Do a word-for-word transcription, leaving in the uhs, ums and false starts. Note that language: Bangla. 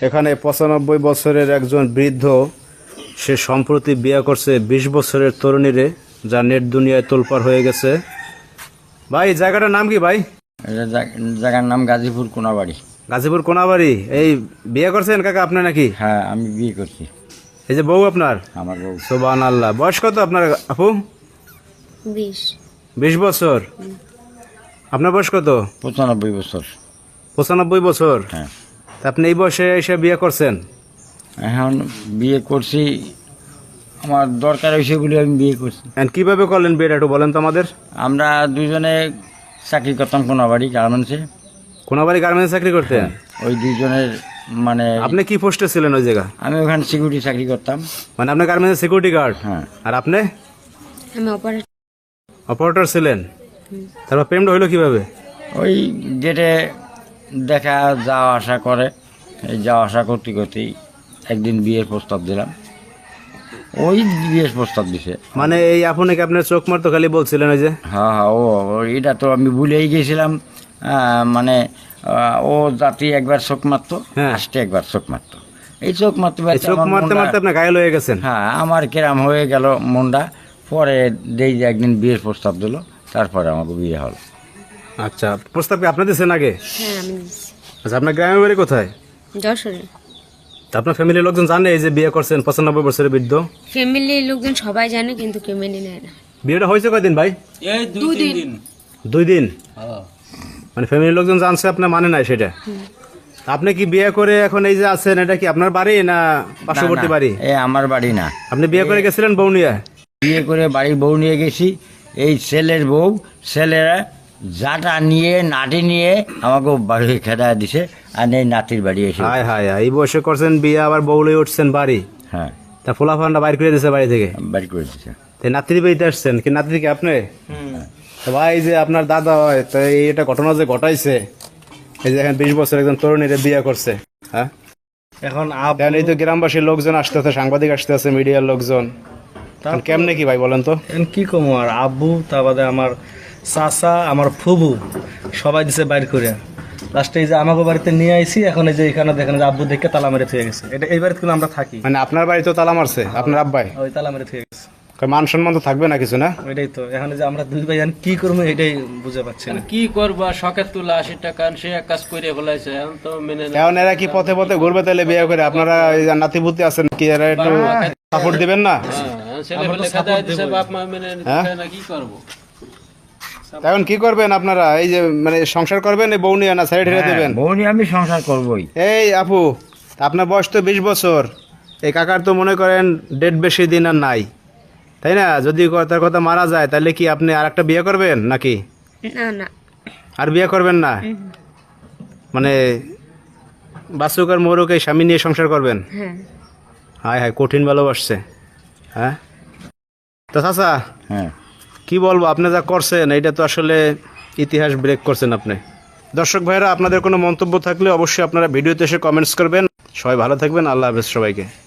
এখানে পঁচানব্বই বছরের একজন বৃদ্ধ, সে সম্প্রতি বিয়ে করছে বিশ বছরের তরুণীরে, যা নেট দুনিয়ায় তোলপাড় হয়ে গেছে। ভাই জায়গাটার নাম কি ভাই? জায়গার নাম গাজীপুর কোনাবাড়ি। গাজীপুর কোনাবাড়ি। এই বিয়ে করছেন কাকা আপনি নাকি? হ্যাঁ, আমি বিয়ে করছি। এই যে বউ আপনার? আমার বউ। সুবহানাল্লাহ। বয়স কত আপনার আপু? বিশ। বিশ বছর। আপনার বয়স কত? পঁচানব্বই বছর। পঁচানব্বই বছর। হ্যাঁ। তা আপনি এই বয়সে এসে বিয়ে করছেন? এখন বিয়ে করছি, আমার দরকার হয়েছে বলে আমি বিয়ে করছি। কিভাবে করলেন বিয়েটা একটু বলেন তো আমাদের। আমরা দুজনে চাকরি করতাম কোনাবাড়ি গার্মেন্টসে। কোনাবাড়ি গার্মেন্টসে চাকরি করতেন? ওই দুজনের মানে আপনি কি পোস্টে ছিলেন ওই জায়গা? আমি ওখানে সিকিউরিটি চাকরি করতাম। মানে আপনি গার্মেন্টসের সিকিউরিটি গার্ড? হ্যাঁ। আর আপনি? আমি অপারেটর। অপারেটর ছিলেন। তারপর প্রেমটা হইলো কিভাবে? ওই গেটে দেখা যাওয়া আসা করে, এই যাওয়া আসা করতে করতেই একদিন বিয়ের প্রস্তাব দিলাম। ওই বিয়ের প্রস্তাব দিছে। মানে এই আপনাকে আপনার চোখ মারতো খালি বলছিলেন ওই যে? হ্যাঁ হ্যাঁ, ও এটা তো আমি ভুলেই গেছিলাম। আহ, মানে আহ, ও জাতি একবার চোখ মারতো, হ্যাঁ। আসতে একবার চোখ মারতো। এই চোখ মারতে এই মারতে চোখ আমার মারতে মনটা- মারতে আপনি ঘায়ল হয়ে গেছেন? হ্যাঁ, আমার কেরাম হয়ে গেল মনটা। পরে দেই যে একদিন বিয়ের প্রস্তাব দিল, তারপরে আমাকে বিয়ে হলো। আচ্ছা, প্রস্তাব কি আপনি দিয়েছেন আগে? হ্যাঁ, আমি দিচ্ছি। আচ্ছা, আপনার গ্রামের বাড়ি কোথায়? যশোরে। তা আপনার ফ্যামিলির লোকজন জানে এই যে বিয়ে করছেন পঁচানব্বই বছরের বৃদ্ধ? ফ্যামিলির লোকজন সবাই জানে, কিন্তু কেউ মেনে নেয় না। বিয়েটা হয়েছে কয়দিন ভাই? দুই দিন। দুই দিন? মানে ফ্যামিলির লোকজন জানছে, আপনার মানে নাই সেটা? তা আপনি কি বিয়ে করে এখন এই যে আছেন, এটা কি আপনার বাড়ি না পার্শ্ববর্তী বাড়ি? এ আমার বাড়ি না। আপনি বিয়ে করে গেছিলেন বউ নিয়ে? বিয়ে করে বাড়ির বউ নিয়ে গেছি। এই ছেলের বউ, ছেলেরা জাটা নিয়ে নাটি নিয়ে আমাকে বাড়ি খেদা দিছে, আর এই নাতির বাড়ি এসে। হায় হায় হায়, এই বয়সে করছেন বিয়ে, আবার বউ লয়ে উঠছেন বাড়ি? হ্যাঁ, তা ফোলা ফান্ডা বাইর করে দিয়েছে বাড়ি থেকে? বাড়ি করে দিছে। তাই নাতির বাড়িতে আসছেন কি? নাতি কি আপনি? তো ভাই যে আপনার দাদা হয়, তো এই এটা ঘটনা যে ঘটাইছে, এই যে এখন বিশ বছর একজন তরুণীরে বিয়ে করছে, হ্যাঁ? এখন এখন এই তো গ্রামবাসীর লোকজন আসতেছে, সাংবাদিক আসতেছে, মিডিয়ার লোকজন, এখন কেমনে কি ভাই বলেন তো? এখন কি কম, আর আব্বু, তার বাদে আমার চাচা, আমার ফুবু, সবাই দিছে বাইর করে। লাস্টে এই যে আমাকে বাড়িতে নিয়ে আইছি। এখন এই যে এখানে দেখেন যে আব্বু দেখে তালা মেরে থুয়ে গেছে। এটা এই বাড়িতে কিন্তু আমরা থাকি। মানে আপনার বাড়ি তো তালা মারছে আপনার আব্বাই? ওই তালা মেরে থুয়ে গেছে। মান সম্মান তো থাকবে না কিছু, না? ওইটাই তো, এখন এই যে আমরা দুই ভাই এখন কি করবো এটাই বুঝে পাচ্ছি না। কি করবা, শখের তুলা আশি টাকা সে এক কাজ করে ফেলাইছে, এখন তো মেনে না। এখন এরা কি পথে পথে ঘুরবে তাহলে বিয়ে করে? আপনারা এই যে নাতিপুতি আছেন, কি এরা একটু সাপোর্ট দিবেন না? হ্যাঁ, ছেলে পেলে খেদাই দিছে, বাপ মা মেনে নিচ্ছে না, কি করবো? এখন কি করবেন আপনারা? এই যে মানে সংসার করবেন এই বউ নিয়ে, না সাইড হেরে দেবেন? বউ নিয়ে আমি সংসার করবোই। এই আপু, আপনার বয়স তো বিশ বছর, এই কাকার তো মনে করেন ডেট বেশি দিন আর নাই, তাই না? যদি তার কথা মারা যায় তাহলে কি আপনি আর একটা বিয়ে করবেন নাকি? না না, আর বিয়ে করবেন না? মানে বাসুক আর মোরক এই স্বামী নিয়ে সংসার করবেন? হ্যাঁ। হায় হায়, কঠিন ভালোবাসছে, হ্যাঁ? তো চাচা, হ্যাঁ, কি বলবো, আপনি যা করছেন এটা তো আসলে ইতিহাস ব্রেক করছেন আপনি। দর্শক ভাইরা, আপনাদের কোনো মন্তব্য থাকলে অবশ্যই আপনারা ভিডিওতে এসে কমেন্টস করবেন। সবাই ভালো থাকবেন। আল্লাহ হাফেজ সবাইকে।